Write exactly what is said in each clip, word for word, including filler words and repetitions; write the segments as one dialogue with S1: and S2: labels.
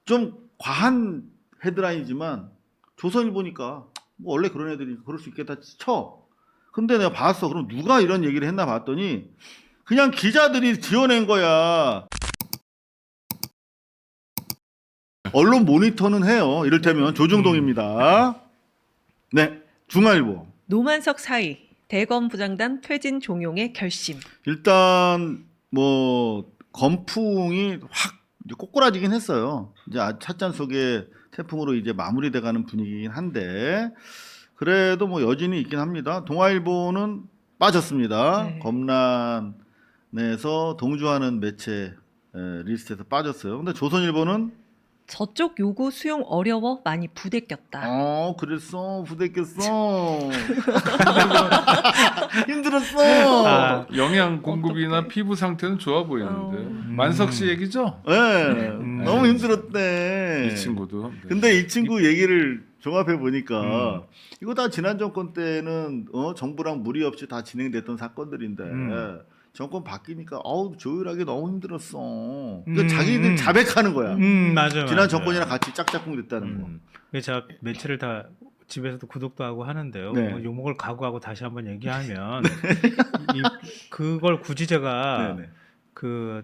S1: 좀 과한 헤드라인이지만 조선일보니까 뭐 원래 그런 애들이 그럴 수 있겠다 쳐. 근데 내가 봤어. 그럼 누가 이런 얘기를 했나 봤더니 그냥 기자들이 지어낸 거야. 언론 모니터는 해요. 이를테면 조중동입니다. 네, 중앙일보.
S2: 노만석 사의 대검 부장단 퇴진 종용의 결심.
S1: 일단 뭐 건풍이 확 이제 꼬꾸라지긴 했어요. 이제 아- 찻잔 속에 태풍으로 이제 마무리돼가는 분위기긴 한데 그래도 뭐 여진이 있긴 합니다. 동아일보는 빠졌습니다.
S2: 네.
S1: 검란에서 동조하는 매체 에, 리스트에서 빠졌어요. 근데 조선일보는
S2: 저쪽 요구 수용 어려워 많이 부대꼈다.
S1: 어 그랬어 부대꼈어 힘들었어.
S3: 아, 영양 공급이나
S2: 어떡해.
S3: 피부 상태는 좋아 보이는데
S2: 어.
S3: 만석 씨 얘기죠?
S1: 네,
S3: 음.
S1: 너무 힘들었대.
S3: 이 친구도. 네.
S1: 근데 이 친구 얘기를 종합해 보니까
S3: 음.
S1: 이거 다 지난 정권 때는 어, 정부랑 무리 없이 다 진행됐던 사건들인데
S3: 음.
S1: 정권 바뀌니까 어우 조율하기 너무 힘들었어. 그러니까
S4: 음,
S1: 자기들
S4: 음.
S1: 자백하는 거야.
S4: 음 맞아요.
S1: 지난
S4: 맞아요.
S1: 정권이랑 같이 짝짝꿍 됐다는 거.
S4: 음. 그래서 제가 매체를 다 집에서도 구독도 하고 하는데요.
S1: 네.
S4: 뭐 욕먹을 각오하고 다시 한번 얘기하면 이, 그걸 굳이 제가
S1: 네네.
S4: 그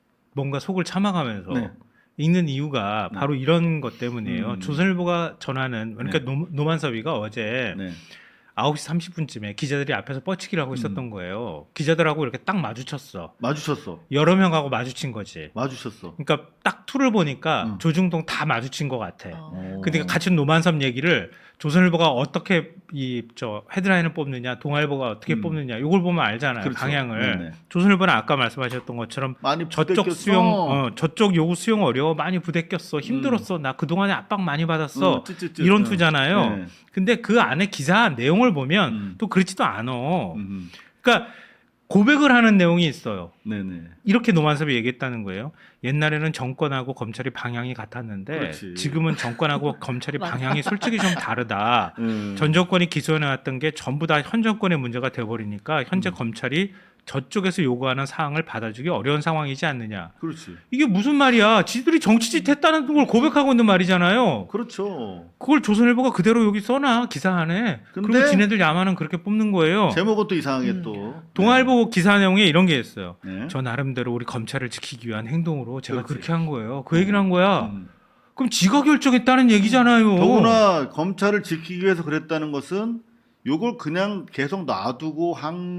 S4: 뭔가 속을 참아가면서
S1: 네.
S4: 읽는 이유가
S1: 네.
S4: 바로 이런 것 때문이에요.
S1: 음.
S4: 조선일보가 전하는 그러니까
S1: 네.
S4: 노, 노만섭이가 어제
S1: 네.
S4: 아홉 시 삼십 분쯤에 기자들이 앞에서 뻗치기를 하고 있었던
S1: 음.
S4: 거예요. 기자들하고 이렇게 딱 마주쳤어.
S1: 마주쳤어.
S4: 여러 명하고 마주친 거지.
S1: 마주쳤어.
S4: 그러니까 딱 투를 보니까
S1: 음.
S4: 조중동 다 마주친 것 같아.
S2: 어.
S4: 근데 같이 노만섭 얘기를 조선일보가 어떻게 이 저 헤드라인을 뽑느냐, 동아일보가 어떻게
S1: 음.
S4: 뽑느냐, 이걸 보면 알잖아요.
S1: 그렇죠.
S4: 방향을.
S1: 네네.
S4: 조선일보는 아까 말씀하셨던 것처럼
S1: 많이
S4: 저쪽
S1: 부대꼈어.
S4: 수용, 어, 저쪽 요구 수용 어려워, 많이 부대꼈어, 힘들었어, 나 그동안에 압박 많이 받았어,
S1: 음, 찌찌찌.
S4: 이런
S1: 어.
S4: 투잖아요.
S1: 네.
S4: 근데 그 안에 기사 내용을 보면
S1: 음.
S4: 또 그렇지도 않아.
S1: 음.
S4: 그러니까 고백을 하는 내용이 있어요.
S1: 네네.
S4: 이렇게 노만섭이 얘기했다는 거예요. 옛날에는 정권하고 검찰이 방향이 같았는데
S1: 그렇지.
S4: 지금은 정권하고 검찰이
S2: 맞아.
S4: 방향이 솔직히 좀 다르다.
S1: 음.
S4: 전 정권이 기소해놨던 게 전부 다 현 정권의 문제가 돼버리니까 현재
S1: 음.
S4: 검찰이 저쪽에서 요구하는 사항을 받아주기 어려운 상황이지 않느냐.
S1: 그렇지.
S4: 이게 무슨 말이야. 지들이 정치짓 했다는 걸 고백하고 있는 말이잖아요.
S1: 그렇죠.
S4: 그걸 조선일보가 그대로 여기 써놔 기사 안에.
S1: 근데
S4: 그리고 지네들 야만은 그렇게 뽑는 거예요.
S1: 제목은 또 이상하게
S2: 음.
S1: 또.
S4: 동아일보 기사 내용에 이런 게 있어요.
S1: 네.
S4: 저 나름대로 우리 검찰을 지키기 위한 행동으로 제가
S1: 그렇지.
S4: 그렇게한 거예요. 그 얘기를 한 거야.
S1: 음.
S4: 그럼 지가 결정했다는 얘기잖아요.
S1: 더구나 검찰을 지키기 위해서 그랬다는 것은 요걸 그냥 계속 놔두고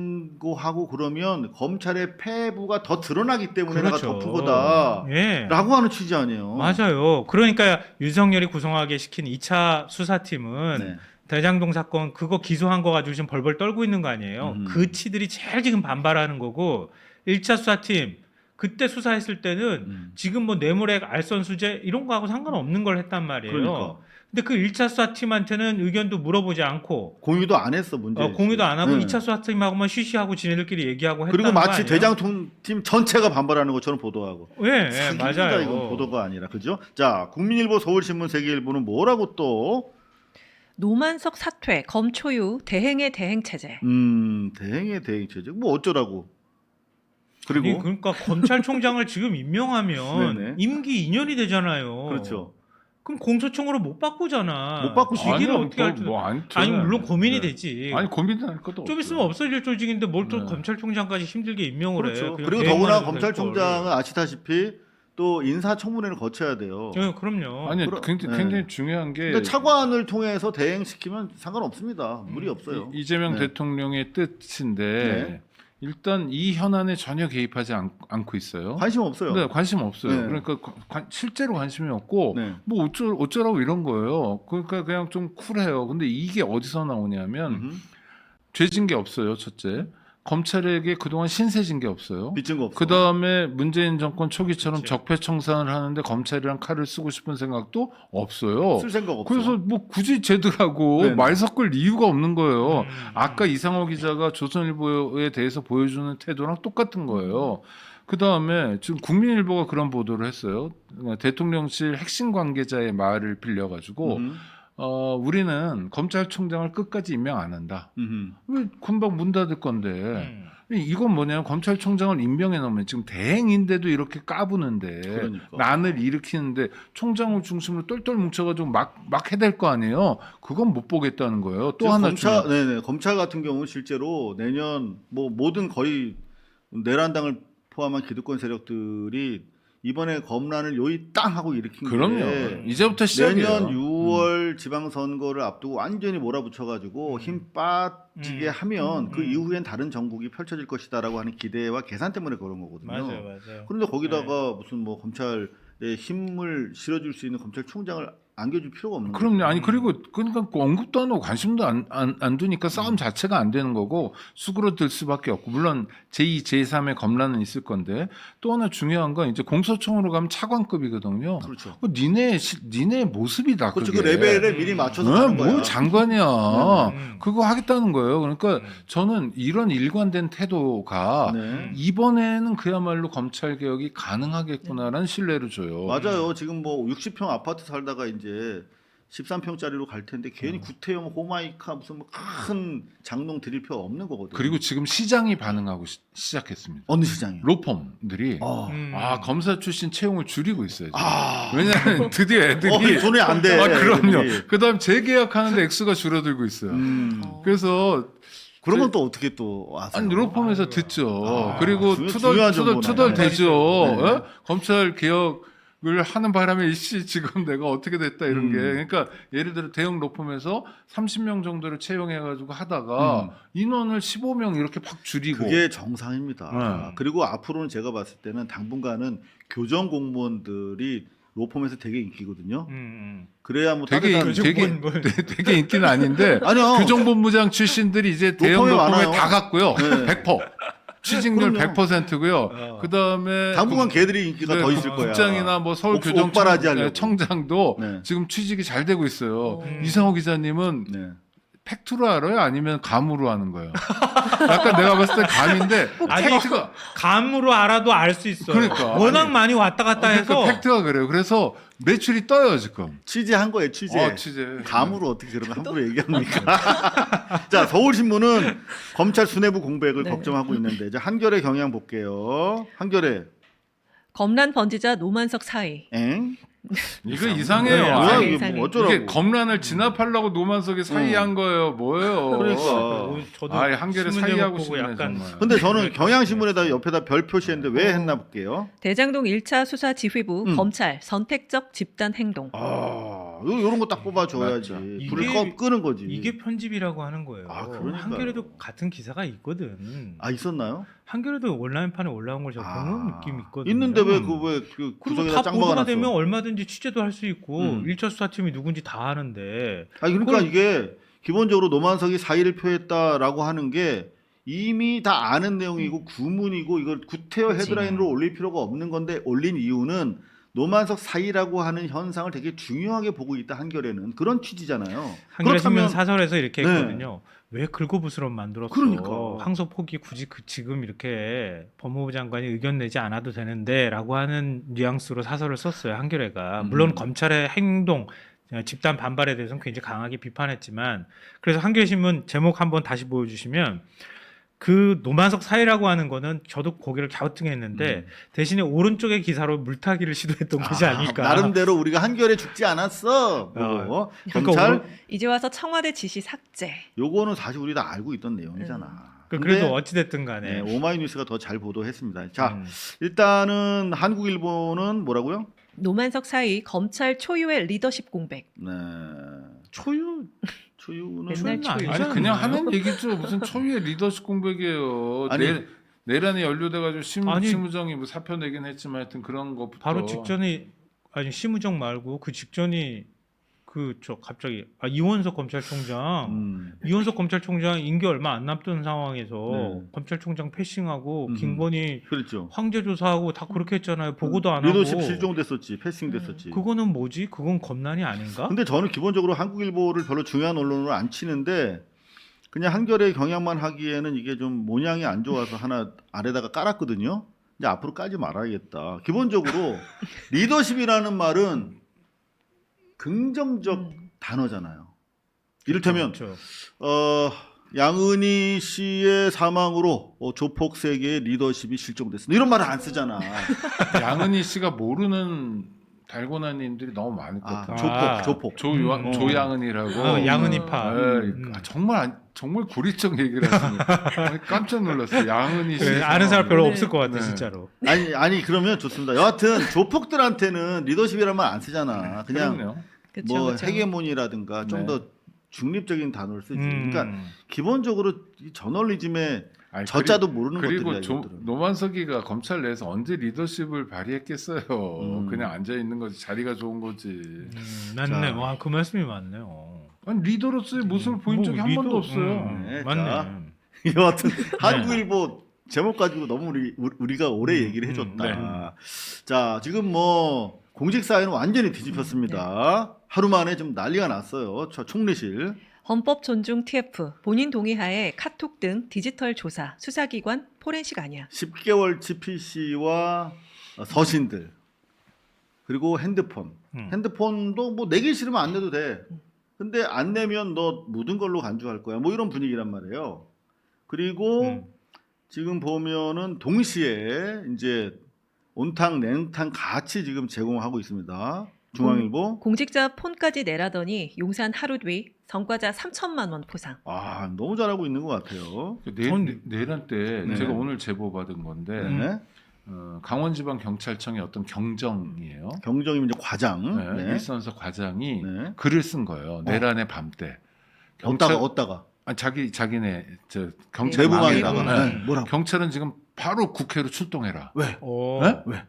S1: 한고 하고 그러면 검찰의 패부가 더 드러나기 때문에 내가 덮은 거다라고
S4: 예.
S1: 하는 취지 아니에요.
S4: 맞아요. 그러니까 윤석열이 구성하게 시킨 이 차 수사팀은
S1: 네.
S4: 대장동 사건 그거 기소한 거 가지고 지금 벌벌 떨고 있는 거 아니에요.
S1: 음.
S4: 그 치들이 제일 지금 반발하는 거고 일 차 수사팀 그때 수사했을 때는
S1: 음.
S4: 지금 뭐 뇌물액 알선 수재 이런 거하고 상관없는 걸 했단 말이에요.
S1: 그러니까
S4: 근데 그 일 차 수사팀한테는 의견도 물어보지 않고
S1: 공유도 안 했어 문제.
S4: 어, 공유도 안 하고
S1: 네.
S4: 이 차 수사팀하고만 쉬쉬하고 지네들끼리 얘기하고 했다는
S1: 그리고
S4: 거
S1: 마치
S4: 아니에요?
S1: 대장팀 전체가 반발하는 것처럼 보도하고.
S4: 예, 예
S1: 사기입니다,
S4: 맞아요.
S1: 이건 보도가 아니라 그죠? 자, 국민일보, 서울신문, 세계일보는 뭐라고 또
S2: 노만석 사퇴 검초유 대행의 대행 체제.
S1: 음, 대행의 대행 체제. 뭐 어쩌라고. 그리고
S4: 아니, 그러니까 검찰총장을 지금 임명하면
S1: 네네.
S4: 임기 이 년이 되잖아요.
S1: 그렇죠.
S4: 그럼 공소청으로 못 바꾸잖아.
S1: 못 바꾸지.
S4: 시기를
S3: 아니요,
S4: 어떻게
S3: 뭐,
S4: 할지.
S3: 뭐 안,
S4: 아니 물론 고민이
S3: 네.
S4: 되지.
S3: 아니 고민할 것도
S4: 좀
S3: 없어요.
S4: 있으면 없어질 조직인데 뭘 또
S3: 네.
S4: 검찰총장까지 힘들게 임명을 해.
S1: 그렇죠.
S4: 그냥
S1: 그리고
S4: 대행만
S1: 더구나
S4: 해도 될
S1: 검찰총장은
S4: 걸.
S1: 아시다시피 또 인사청문회를 거쳐야 돼요.
S4: 예, 그럼요.
S3: 아니
S1: 그러-
S3: 굉장히,
S1: 네.
S3: 굉장히 중요한 게
S1: 근데 차관을 통해서 대행시키면 상관없습니다. 무리 없어요.
S3: 이, 이재명
S1: 네.
S3: 대통령의 뜻인데
S1: 네.
S3: 일단 이 현안에 전혀 개입하지 않, 않고 있어요.
S1: 관심 없어요.
S3: 네, 관심 없어요.
S1: 네.
S3: 그러니까 관- 관- 실제로 관심이 없고
S1: 네.
S3: 뭐 어쩌, 어쩌라고 이런 거예요. 그러니까 그냥 좀 쿨해요. 근데 이게 어디서 나오냐면
S1: 음흠.
S3: 죄진 게 없어요. 첫째. 검찰에게 그동안 신세진 게 없어요.
S1: 빚진 거 없어.
S3: 그 다음에 문재인 정권 초기처럼
S4: 그치.
S3: 적폐청산을 하는데 검찰이랑 칼을 쓰고 싶은 생각도 없어요.
S1: 쓸 생각 없어.
S3: 그래서 뭐 굳이 쟤들하고
S1: 네네.
S3: 말 섞을 이유가 없는 거예요.
S4: 음.
S3: 아까 이상호 기자가 조선일보에 대해서 보여주는 태도랑 똑같은 거예요. 그 다음에 지금 국민일보가 그런 보도를 했어요. 대통령실 핵심 관계자의 말을 빌려가지고
S1: 음.
S3: 어, 우리는 검찰총장을 끝까지 임명 안 한다.
S1: 음.
S3: 왜 금방 문 닫을 건데.
S4: 음.
S3: 이건 뭐냐면 검찰총장을 임명해 놓으면 지금 대행인데도 이렇게 까부는데
S1: 그러니까.
S3: 난을 일으키는데 총장을 중심으로 똘똘 뭉쳐가지고 막, 막 해댈 거 아니에요. 그건 못 보겠다는 거예요. 또
S1: 지금
S3: 하나
S1: 검찰,
S3: 중요한-
S1: 네네 검찰 같은 경우는 실제로 내년 뭐 모든 거의 내란당을 포함한 기득권 세력들이 이번에 검란을 요이 땅 하고 일으킨
S3: 그럼요.
S1: 게
S3: 이제부터 시작이에요.
S1: 내년 유월 지방선거를 앞두고 완전히 몰아붙여가지고
S4: 음.
S1: 힘 빠지게
S4: 음.
S1: 하면 그
S4: 음.
S1: 이후엔 다른 정국이 펼쳐질 것이다라고 하는 기대와 계산 때문에 그런 거거든요.
S4: 맞아요, 맞아요.
S1: 그런데 거기다가 무슨 뭐 검찰에 힘을 실어줄 수 있는 검찰총장을 안겨줄 필요가 없는
S3: 그럼요.
S1: 거죠.
S3: 아니 그리고 그러니까 그 언급도 안 하고 관심도 안, 안, 안 두니까 싸움 자체가 안 되는 거고 수그러들 수밖에 없고 물론 제이, 제삼의 검란은 있을 건데 또 하나 중요한 건 이제 공소청으로 가면 차관급이거든요.
S1: 그렇죠.
S3: 그 니네 시- 니네 모습이다.
S1: 그렇죠.
S3: 그게.
S1: 그 레벨에 미리 맞춰서
S3: 어,
S1: 가는
S3: 뭐
S1: 거야.
S3: 장관이야.
S4: 음.
S3: 그거 하겠다는 거예요. 그러니까
S4: 음.
S3: 저는 이런 일관된 태도가
S1: 네.
S3: 이번에는 그야말로 검찰 개혁이 가능하겠구나라는 신뢰를 줘요.
S1: 맞아요. 지금 뭐 육십 평 아파트 살다가 이제 십삼 평짜리로 갈 텐데
S3: 음.
S1: 괜히 구태여 호마이카 무슨 뭐 큰 장롱 드릴 필요 없는 거거든요.
S3: 그리고 지금 시장이 반응하고 시, 시작했습니다.
S1: 어느 시장이요?
S3: 로펌들이
S1: 어.
S4: 음.
S3: 아 검사 출신 채용을 줄이고 있어요. 지금.
S1: 아.
S3: 왜냐하면 드디어 애들이
S1: 어, 돈이 안 돼.
S3: 아 그럼요.
S1: 애들이.
S3: 그다음 재계약하는데 액수가 줄어들고 있어요.
S1: 음.
S2: 어.
S3: 그래서
S1: 그런 건 또 어떻게 또 아세요?
S3: 아니 로펌에서
S4: 아이고야.
S3: 듣죠.
S1: 아,
S3: 그리고
S1: 중요-
S3: 투덜
S1: 중요한
S3: 투덜
S1: 정보네.
S3: 투덜 되죠.
S1: 네.
S3: 어? 검찰 개혁을 하는 바람에 이씨 지금 내가 어떻게 됐다 이런
S1: 음.
S3: 게 그러니까 예를 들어 대형 로펌에서 삼십 명 정도를 채용해가지고 하다가
S1: 음.
S3: 인원을 십오 명 이렇게 팍 줄이고
S1: 그게 정상입니다.
S3: 네.
S1: 그리고 앞으로는 제가 봤을 때는 당분간은 교정 공무원들이 로펌에서 되게 인기거든요.
S4: 음, 음.
S1: 그래야 뭐
S3: 되게
S1: 따뜻한
S4: 교정-
S3: 되게
S4: 뭘, 뭘.
S3: 되게 인기는 아닌데
S1: 아니요.
S3: 교정본부장 출신들이 이제 대형
S1: 로펌에
S3: 로펌에
S1: 많아요.
S3: 다 갔고요.
S1: 네.
S3: 백 퍼센트 취직률
S1: 그럼요.
S3: 백 퍼센트고요.
S4: 어.
S3: 그다음에
S1: 당분간 걔들이 인기가
S3: 네,
S1: 더 있을 거야.
S3: 국장이나 뭐
S1: 옥-
S3: 서울교정청장도
S1: 옥바라지 하려고.
S3: 네,
S1: 네.
S3: 지금 취직이 잘 되고 있어요.
S2: 음.
S3: 이상호 기자님은
S1: 네.
S3: 팩트로 알아요? 아니면 감으로 하는 거예요? 약간 내가 봤을 때 감인데
S4: 아니,
S3: 팩트가
S4: 감으로 알아도 알 수 있어요.
S3: 그러니까.
S4: 워낙
S3: 아니,
S4: 많이 왔다 갔다 해서
S3: 그러니까 팩트가 그래요. 그래서 매출이 떠요 지금.
S1: 취재한 거예요, 취재.
S3: 어, 취재.
S1: 감으로 어떻게 그런 거 함부로 얘기합니까? 자, 서울신문은 검찰 수뇌부 공백을
S2: 네.
S1: 걱정하고 있는데 이제 한겨레 경향 볼게요. 한겨레.
S2: 검란 번지자 노만석 사의.
S1: 엥?
S3: 이거
S1: 네,
S3: 이상해요.
S1: 뭐야,
S3: 아니,
S1: 이게
S2: 이상해.
S1: 뭐 어쩌라고.
S3: 이게 검란을 진압하려고 노만석이 사이한 거예요. 뭐예요?
S1: 그러니까.
S4: 어, 저도
S3: 아이 한겨레
S4: 신문
S3: 사이하고
S4: 제목 보고
S3: 싶네
S4: 약간
S3: 정말.
S1: 근데 저는 경향신문에다 옆에다 별 표시했는데 왜 했나 볼게요.
S2: 대장동 일 차 수사 지휘부
S1: 음.
S2: 검찰 선택적 집단 행동.
S1: 아, 요- 요런 거 딱 뽑아줘야지.
S3: 맞죠.
S1: 불을
S4: 이게-
S1: 꺼, 끄는 거지.
S4: 이게 편집이라고 하는 거예요.
S1: 아, 그러니까요.
S4: 한겨레도 같은 기사가 있거든.
S1: 아, 있었나요?
S4: 한겨레도 온라인판에 올라온 걸 제가 보는
S1: 아,
S4: 느낌이 있거든요.
S1: 있는데 왜 그 왜 그
S4: 그리고
S1: 구석에다
S4: 다
S1: 짱
S4: 보도가
S1: 박아놨어?
S4: 되면 얼마든지 취재도 할 수 있고
S1: 음.
S4: 일 차 수사팀이 누군지 다 아는데
S1: 아니 그러니까
S4: 그걸-
S1: 이게 기본적으로 노만석이 사의를 표했다라고 하는 게 이미 다 아는 내용이고 구문이고 이걸 구태여
S2: 그치.
S1: 헤드라인으로 올릴 필요가 없는 건데 올린 이유는 노만석 사의라고 하는 현상을 되게 중요하게 보고 있다 한겨레는 그런 취지잖아요.
S4: 한겨레 신문
S1: 그렇다면-
S4: 사설에서 이렇게
S1: 네.
S4: 했거든요. 왜 긁어부스럼 만들었어?
S1: 그러니까.
S4: 항소 포기 굳이 그 지금 이렇게 법무부 장관이 의견 내지 않아도 되는데라고 하는 뉘앙스로 사설을 썼어요. 한겨레가
S1: 음.
S4: 물론 검찰의 행동 집단 반발에 대해서는 굉장히 강하게 비판했지만 그래서 한겨레 신문 제목 한번 다시 보여주시면 그 노만석 사이라고 하는 거는 저도 고개를 갸우뚱했는데
S1: 음.
S4: 대신에 오른쪽의 기사로 물타기를 시도했던 것이
S1: 아,
S4: 아닐까.
S1: 나름대로 우리가 한겨레 죽지 않았어. 뭐.
S4: 그러니까
S1: 검찰
S4: 오른-
S2: 이제 와서 청와대 지시 삭제.
S1: 요거는 사실 우리 다 알고 있던 내용이잖아.
S4: 그-
S1: 근데
S4: 그래도 어찌됐든 간에
S1: 네, 오마이뉴스가 더 잘 보도했습니다. 자,
S4: 음.
S1: 일단은 한국일보는 뭐라고요?
S2: 노만석 사의 검찰 초유의 리더십 공백.
S1: 네.
S4: 초유
S1: 초유는
S2: 맨날
S4: 초유는
S2: 초유.
S3: 아니
S4: 아니잖아요.
S3: 그냥 하는 얘기죠. 무슨 초유의 리더십 공백이에요.
S1: 아니.
S3: 내, 내란에 연루돼가지고 심,
S4: 아니.
S3: 심우정이 뭐 사표 내긴 했지만 하여튼 그런 것부터
S4: 바로 직전이 아니 심우정 말고 그 직전이 그 저 갑자기 아, 이원석 검찰총장
S1: 음.
S4: 이원석 검찰총장 임기 얼마 안 남던 상황에서
S1: 네.
S4: 검찰총장 패싱하고
S1: 음.
S4: 김건희
S1: 그렇죠.
S4: 황제 조사하고 다 그렇게 했잖아요. 보고도 안
S1: 리더십
S4: 하고.
S1: 실종됐었지, 패싱됐었지.
S4: 그거는 뭐지? 그건 검난이 아닌가?
S1: 근데 저는 기본적으로 한국일보를 별로 중요한 언론으로 안 치는데 그냥 한겨레 경향만 하기에는 이게 좀 모양이 안 좋아서 하나 아래다가 깔았거든요. 이제 앞으로 깔지 말아야겠다. 기본적으로 리더십이라는 말은 긍정적
S2: 음.
S1: 단어잖아요. 이를테면
S4: 그렇죠.
S1: 어, 양은희 씨의 사망으로 어, 조폭 세계의 리더십이 실종됐습니다. 이런 말을 안 쓰잖아.
S3: 양은희 씨가 모르는 달고나님들이 너무 많을 것
S1: 아,
S3: 같아요.
S1: 조폭,
S4: 아.
S1: 조폭.
S3: 조요
S4: 음.
S3: 조양은이라고.
S4: 어, 양은이파.
S3: 네,
S4: 음.
S3: 아, 정말 안- 정말 구리적 얘기를 하시네. 깜짝 놀랐어요. 양은희 씨.
S4: 그래, 아는 사람 별로
S2: 네.
S4: 없을 것 같아
S3: 네.
S4: 진짜로.
S1: 아니 아니 그러면 좋습니다. 여하튼 조폭들한테는 리더십이라는 말 안 쓰잖아. 그냥
S3: 그럼요.
S2: 그쵸,
S1: 뭐
S2: 그쵸.
S1: 헤게모니라든가 좀
S3: 네.
S1: 더 중립적인 단어를 쓰지.
S4: 음.
S1: 그러니까 기본적으로 이 저널리즘의
S3: 아니,
S1: 저자도 모르는
S3: 그리고
S1: 것들이야.
S3: 조,
S1: 이것들은.
S3: 노만석이가 검찰 내에서 언제 리더십을 발휘했겠어요.
S1: 음.
S3: 그냥 앉아 있는 거지. 자리가 좋은 거지.
S4: 음, 맞네.
S1: 자.
S4: 와, 그 말씀이 맞네요.
S3: 아니 리더로서의 모습을 보인
S4: 뭐,
S3: 적이 한
S4: 리더-
S3: 번도 없어요.
S4: 음,
S1: 네,
S4: 맞네.
S1: 자. 여하튼 한국일보 제목 가지고 너무 우리 우리가 오래
S4: 음,
S1: 얘기를 해줬다.
S3: 음,
S1: 자 지금 뭐 공직 사회는 완전히 뒤집혔습니다. 하루 만에 좀 난리가 났어요. 저 총리실.
S2: 헌법 존중 티에프 본인 동의하에 카톡 등 디지털 조사 수사기관 포렌식 아니야.
S1: 십 개월치 피씨와 서신들 그리고 핸드폰.
S4: 음.
S1: 핸드폰도 뭐 내기 싫으면 안 내도 돼. 근데 안 내면 너 묻은 걸로 간주할 거야. 뭐 이런 분위기란 말이에요. 그리고
S4: 음.
S1: 지금 보면은 동시에 이제 온탕 냉탕 같이 지금 제공하고 있습니다. 중앙일보.
S2: 공직자 폰까지 내라더니 용산 하루 뒤 성과자 삼천만 원 포상.
S1: 아 너무 잘하고 있는 것 같아요.
S3: 그 내,
S4: 전-
S3: 내- 내란 때
S1: 네.
S3: 제가 오늘 제보 받은 건데
S1: 네.
S3: 어, 강원지방경찰청의 어떤 경정이에요.
S1: 경정이면 이제 과장.
S3: 네,
S1: 네.
S3: 일선서 과장이
S1: 네.
S3: 글을 쓴 거예요. 내란의 밤 때.
S1: 어디다가 어디다가
S3: 아, 자기 자기네 저 경찰
S1: 내부망에다가
S2: 내부망.
S1: 네. 뭐라고?
S3: 경찰은 지금 바로 국회로 출동해라.
S1: 왜?
S4: 오.
S3: 네?
S1: 왜?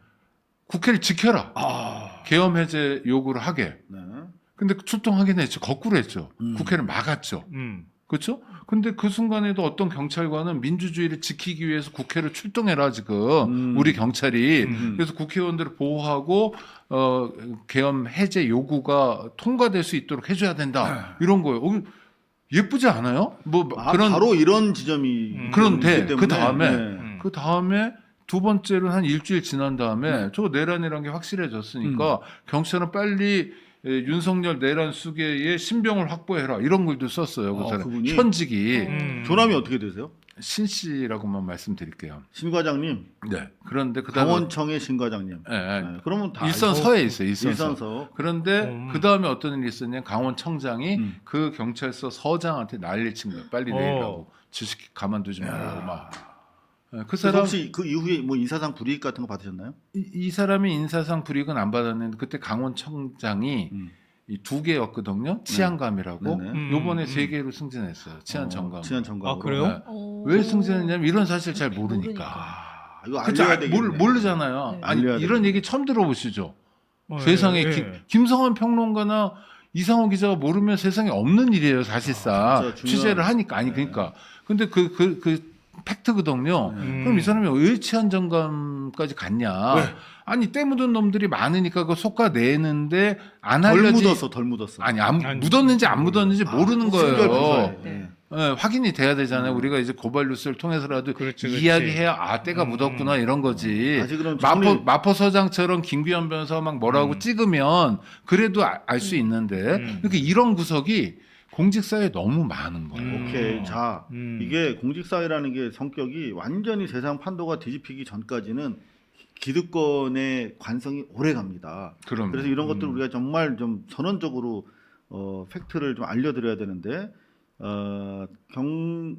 S3: 국회를 지켜라.
S1: 아.
S3: 계엄 해제 요구를 하게.
S1: 네.
S3: 근데 출동하긴 했죠. 거꾸로 했죠.
S1: 음.
S3: 국회를 막았죠.
S4: 음.
S3: 그렇죠? 근데 그 순간에도 어떤 경찰관은 민주주의를 지키기 위해서 국회를 출동해라 지금
S1: 음.
S3: 우리 경찰이
S1: 음.
S3: 그래서 국회의원들을 보호하고 어 계엄 해제 요구가 통과될 수 있도록 해줘야 된다 이런 거예요. 어, 예쁘지 않아요? 뭐
S1: 아,
S3: 그런
S1: 바로 이런 지점이
S4: 음.
S3: 그런데
S1: 있기 때문에.
S3: 그 다음에
S1: 네.
S4: 음.
S3: 그 다음에 두 번째로 한 일주일 지난 다음에
S1: 네.
S3: 저 내란이라는 게 확실해졌으니까 경찰은 빨리 에, 윤석열 내란 수계에 신병을 확보해라 이런 글도 썼어요. 그
S1: 아,
S3: 사람
S1: 그분이?
S3: 현직이
S4: 음.
S1: 조남이 어떻게 되세요?
S3: 신 씨라고만 말씀드릴게요.
S1: 신 과장님,
S3: 네. 그런데 그다음에
S1: 강원청의 신 과장님.
S3: 예, 예.
S1: 네, 그러면 다
S3: 일선서에 있어요. 일선서.
S1: 일선서.
S3: 그런데
S4: 음.
S3: 그 다음에 어떤 일이 있었냐? 강원청장이
S1: 음.
S3: 그 경찰서 서장한테 난리를 친 거예요. 빨리
S4: 어.
S3: 내리라고 지식 가만두지 말라고 막. 예, 그
S1: 그래서
S3: 사람
S1: 혹시 그 이후에 뭐 인사상 불이익 같은 거 받으셨나요?
S3: 이, 이 사람이 인사상 불이익은 안 받았는데 그때 강원청장이
S1: 음.
S3: 이 두 개였거든요. 치안감이라고.
S1: 네네.
S4: 음,
S3: 요번에
S4: 음.
S3: 세 개로 승진했어요. 치안 정감.
S1: 치안 정감.
S4: 아, 그래요?
S3: 네.
S2: 오.
S3: 왜 승진했냐면 이런 사실 잘 모르니까.
S2: 모르니까.
S1: 아, 이거
S3: 그치,
S1: 알려야
S3: 아,
S1: 되겠네.
S3: 모르, 모르잖아요.
S2: 네.
S3: 아니
S1: 알려야
S3: 이런
S1: 되겠네.
S3: 얘기 처음 들어보시죠.
S4: 어,
S3: 세상에
S4: 예,
S3: 김,
S4: 예.
S3: 김성환 평론가나 이상호 기자가 모르면 세상에 없는 일이에요, 사실상.
S1: 아, 진짜 중요한-
S3: 취재를 하니까. 아니,
S1: 네.
S3: 그러니까. 근데 그, 그, 그, 팩트거든요.
S1: 네.
S3: 그럼 이 사람이 왜 치안정감까지 갔냐.
S1: 왜?
S3: 아니, 때 묻은 놈들이 많으니까 그거 속아내는데 안
S1: 덜
S3: 알려지.
S1: 묻었어, 덜 묻었어.
S3: 아니, 안,
S4: 아니,
S3: 묻었는지 안 묻었는지
S1: 아,
S3: 모르는
S1: 신결
S3: 거예요.
S1: 조사해.
S2: 네.
S3: 예, 확인이 돼야 되잖아요.
S1: 음.
S3: 우리가 이제 고발 뉴스를 통해서라도
S4: 그렇지, 그렇지.
S3: 이야기해야 아, 때가
S4: 음.
S3: 묻었구나 이런 거지.
S1: 다시 그럼
S3: 마포,
S1: 정리-
S3: 마포서장처럼 김규현 변호사가 막 뭐라고
S4: 음.
S3: 찍으면 그래도 알 수 있는데
S4: 음.
S3: 이렇게 이런 구석이 공직사회에 너무 많은 거예요.
S4: 음.
S1: 오케이. 자,
S4: 음.
S1: 이게 공직사회라는 게 성격이 완전히 세상 판도가 뒤집히기 전까지는 기득권의 관성이 오래 갑니다.
S3: 그럼
S1: 그래서 이런 것들
S3: 음.
S1: 우리가 정말 좀 선언적으로 어, 팩트를 좀 알려드려야 되는데 어, 경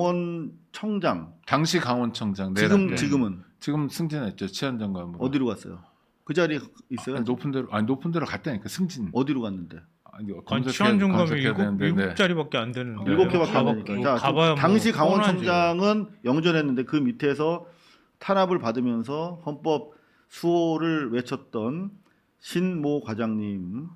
S1: 강원청장
S3: 당시 강원청장
S1: 지금
S3: 내란 때.
S1: 지금은
S3: 지금 승진했죠 치안장관으로.
S1: 어디로 갔어요? 그 자리에 있어요?
S3: 아니, 높은 데로 아니 높은 데로 갔다니까 승진.
S1: 어디로 갔는데?
S3: 아니,
S4: 아니,
S3: 검색해-
S4: 치안정감이
S3: 검색해야
S4: 일곱,
S3: 되는데,
S4: 일곱
S3: 네.
S4: 자리밖에 안 되는데.
S1: 일곱 개밖에 안
S4: 가봐-
S1: 되니까. 자,
S4: 가봐야 뭐
S1: 당시
S4: 뻔하지.
S1: 강원청장은 영전했는데 그 밑에서 탄압을 받으면서 헌법 수호를 외쳤던 신모 과장님은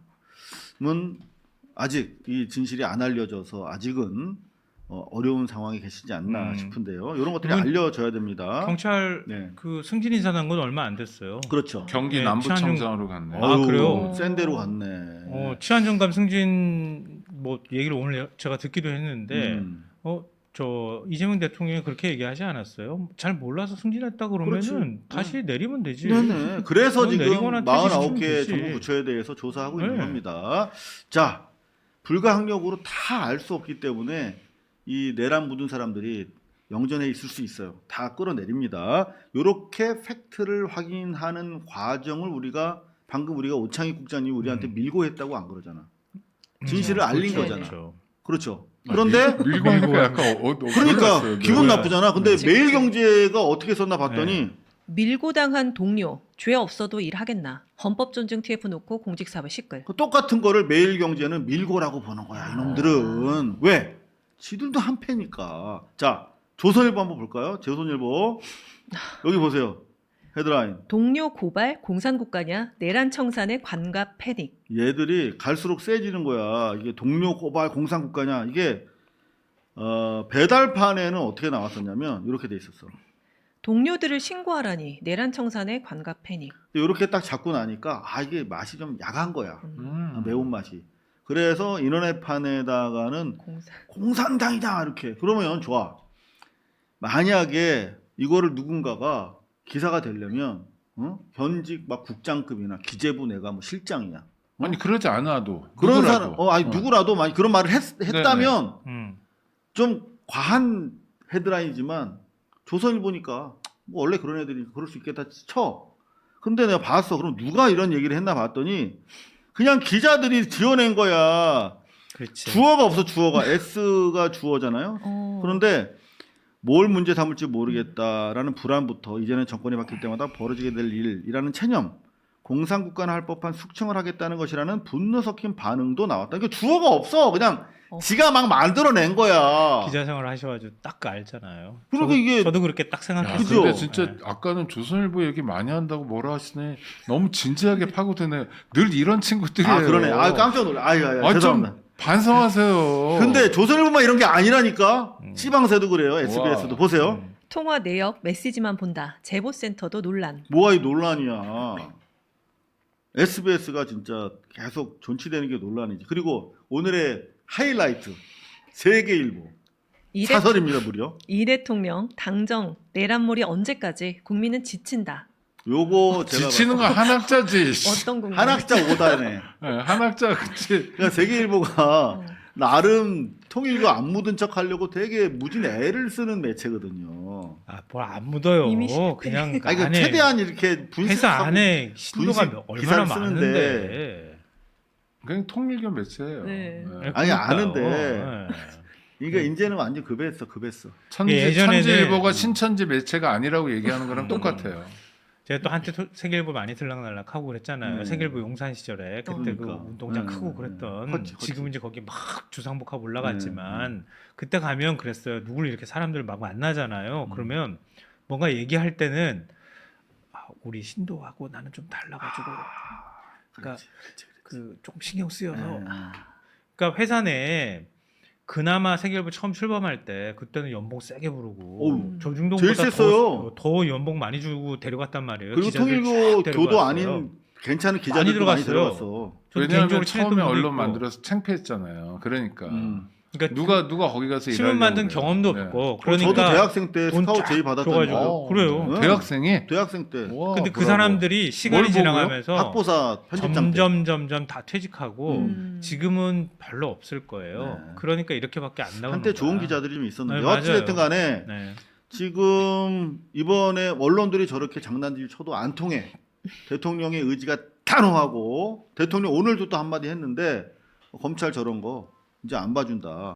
S1: 아직 이 진실이 안 알려져서 아직은 어, 어려운 상황에 계시지 않나
S4: 음.
S1: 싶은데요. 이런 것들이
S4: 이건
S1: 알려져야 됩니다.
S4: 경찰
S1: 네,
S4: 그 승진 인사 난 건 얼마 안 됐어요.
S1: 그렇죠.
S3: 경기
S4: 네,
S3: 남부청장으로 갔네.
S4: 아,
S1: 어휴,
S4: 그래요?
S1: 센 데로 갔네.
S4: 어, 치안정감 승진 뭐 얘기를 오늘 제가 듣기도 했는데
S1: 음.
S4: 어, 저 이재명 대통령이 그렇게 얘기하지 않았어요? 잘 몰라서 승진했다 그러면은
S1: 그렇지.
S4: 다시 내리면 되지.
S1: 네네. 그래서
S4: 그건
S1: 지금
S4: 내리거나
S1: 사십구
S4: 퇴직시키면
S1: 개
S4: 되지.
S1: 정부 부처에 대해서 조사하고 있는
S4: 네.
S1: 겁니다. 자, 불가항력으로 다 알 수 없기 때문에 이 내란 묻은 사람들이 영전에 있을 수 있어요. 다 끌어내립니다. 이렇게 팩트를 확인하는 과정을 우리가 방금 우리가 오창익 국장님이 우리한테
S4: 음.
S1: 밀고 했다고 안 그러잖아. 진실을 알린
S2: 그렇죠.
S1: 거잖아.
S4: 그렇죠.
S1: 그렇죠.
S3: 아,
S1: 그런데
S3: 밀- 밀고 하니까 약간 어, 어,
S1: 그러니까
S3: 놀랐어요.
S1: 기분
S4: 뭐야.
S1: 나쁘잖아. 근데
S2: 그치,
S1: 매일경제가 어떻게 썼나 봤더니
S4: 네.
S2: 밀고 당한 동료, 죄 없어도 일하겠나. 헌법 존중 티에프 놓고 공직사회 시끌.
S1: 그 똑같은 거를 매일경제는 밀고라고 보는 거야. 이놈들은. 왜? 지들도 한 패니까. 자, 조선일보 한번 볼까요? 조선일보. 여기 보세요. 헤드라인.
S2: 동료 고발 공산국가냐 내란 청산의 관갑 패닉.
S1: 얘들이 갈수록 세지는 거야. 이게 동료 고발 공산국가냐. 이게 어, 배달판에는 어떻게 나왔었냐면 이렇게 돼 있었어.
S2: 동료들을 신고하라니 내란 청산의 관갑 패닉.
S1: 이렇게 딱 잡고 나니까 아 이게 맛이 좀 야간 거야.
S2: 음,
S3: 음.
S1: 매운맛이. 그래서 인터넷판에다가는
S2: 공산.
S1: 공산당이다 이렇게. 그러면 좋아. 만약에 이거를 누군가가 기사가 되려면 어? 현직 막 국장급이나 기재부 내가 뭐 실장이냐.
S3: 아니 그러지 않아도
S1: 그런
S3: 누구라도.
S1: 사람 어 아니
S3: 어.
S1: 누구라도 만약 그런 말을 했, 했다면
S4: 음.
S1: 좀 과한 헤드라인이지만 조선일보니까 뭐 원래 그런 애들이 그럴 수 있겠다 쳐. 근데 내가 봤어. 그럼 누가 이런 얘기를 했나 봤더니 그냥 기자들이 지어낸 거야.
S4: 그렇지.
S1: 주어가 없어 주어가 S가 주어잖아요.
S2: 어.
S1: 그런데 뭘 문제 삼을지 모르겠다라는 불안부터 이제는 정권이 바뀔 때마다 벌어지게 될 일이라는 체념, 공산국가나 할 법한 숙청을 하겠다는 것이라는 분노 섞인 반응도 나왔다. 그러니까 주어가 없어. 그냥
S2: 어.
S1: 지가 막 만들어낸 거야.
S4: 기자 생활 하셔가지고 딱 알잖아요.
S1: 그러니까
S4: 저도,
S1: 이게-
S4: 저도 그렇게 딱
S3: 야,
S4: 생각했어요.
S1: 그죠?
S3: 근데 진짜
S4: 네.
S3: 아까는 조선일보 얘기 많이 한다고 뭐라 하시네. 너무 진지하게 파고드네. 늘 이런 친구들이에요.
S1: 아 그러네. 아 깜짝 놀라. 아유, 아유,
S3: 아,
S1: 죄송합니다.
S3: 좀 반성하세요.
S1: 근데 조선일보만 이런 게 아니라니까.
S4: 음.
S1: 지방세도 그래요. 에스비에스도
S3: 와.
S1: 보세요.
S4: 음.
S2: 통화 내역 메시지만 본다. 제보센터도 논란.
S1: 뭐가 이 논란이야. 에스비에스가 진짜 계속 존치되는 게 논란이지. 그리고 오늘의 하이라이트 세계일보
S2: 이, 대,
S1: 사설입니다 무려.
S2: 이 대통령 당정 내란몰이 언제까지 국민은 지친다.
S1: 요거 제가
S3: 지치는 건 한학자지. 씨.
S2: 어떤 국민?
S1: 한학자 오다네.
S3: 네, 한학자 그치.
S1: 그러니까 세계일보가
S2: 어.
S1: 나름 통일교 안 묻은 척 하려고 되게 무진 애를 쓰는 매체거든요.
S4: 아, 뭘 안 묻어요.
S2: 이미 시작돼.
S4: 그냥
S1: 아니 그
S4: 안에
S1: 최대한 이렇게 분식
S4: 회사 안에 신도가
S1: 분식
S4: 얼마나
S1: 기사를 쓰는데.
S4: 많은데.
S3: 그냥 통일교 매체예요.
S2: 네.
S3: 네.
S1: 아니,
S4: 그러니까요.
S1: 아는데.
S4: 네.
S1: 그러니까 이제는 완전 급했어 급했어.
S3: 천지,
S4: 예전에는-
S3: 천지일보가 신천지 매체가 아니라고 얘기하는 거랑 똑같아요.
S4: 제가 또 한때 토- 세계일보 많이 들락날락 하고 그랬잖아요.
S1: 네.
S4: 세계일보 용산 시절에 그때 그
S1: 그러니까.
S4: 운동장
S1: 네,
S4: 크고
S1: 네.
S4: 그랬던
S1: 컸지, 컸지.
S4: 지금 이제 거기 막 주상복합 올라갔지만
S1: 네,
S4: 그때 가면 그랬어요. 누굴 이렇게 사람들 막 만나잖아요.
S1: 음.
S4: 그러면 뭔가 얘기할 때는 아, 우리 신도하고 나는 좀 달라가지고 그러니까
S1: 그렇지, 그렇지,
S4: 그 조금 신경 쓰여서
S1: 네.
S4: 그러니까 회사 내에 그나마 세계일보 처음 출범할 때 그때는 연봉 세게 부르고
S1: 어우,
S4: 조중동보다
S1: 제일 셌어요.
S4: 더, 더 연봉 많이 주고 데려갔단 말이에요.
S1: 그리고
S4: 기자들
S1: 통일교
S4: 쫙
S1: 교도
S4: 데려갔어요.
S1: 아닌 괜찮은 기자들도 많이,
S4: 들어갔어요.
S1: 들어갔어.
S4: 저도
S3: 왜냐하면
S4: 개인적으로
S3: 처음에
S4: 친했던 분도
S3: 언론
S4: 있고.
S3: 만들어서 창피했잖아요. 그러니까
S1: 음.
S4: 그러니까
S3: 누가 누가 거기 가서
S4: 신문
S3: 일하려고
S4: 만든
S3: 그래요.
S4: 경험도
S3: 네.
S4: 없고
S1: 그러니까 저도
S4: 그러니까
S1: 대학생 때
S4: 돈
S1: 스카우트
S4: 쫙
S1: 제의 받았던
S4: 줘가지고.
S3: 어,
S4: 그래요.
S1: 네.
S3: 대학생이
S1: 대학생 때
S3: 와,
S4: 근데 그
S3: 브라보.
S4: 사람들이 시간이
S3: 뭘
S4: 지나가면서
S1: 학보사 편집장 때.
S4: 점점 점점 다 퇴직하고
S2: 음.
S4: 지금은 별로 없을 거예요.
S1: 네.
S4: 그러니까 이렇게밖에 안 나오는
S1: 한때 좋은
S4: 거야.
S1: 기자들이 좀 있었는데
S4: 네,
S1: 어찌됐든
S4: 맞아요.
S1: 간에
S4: 네.
S1: 지금 이번에 언론들이 저렇게 장난질 쳐도 안 통해. 대통령의 의지가 단호하고 대통령 오늘도 또 한마디 했는데 검찰 저런 거 이제 안 봐준다.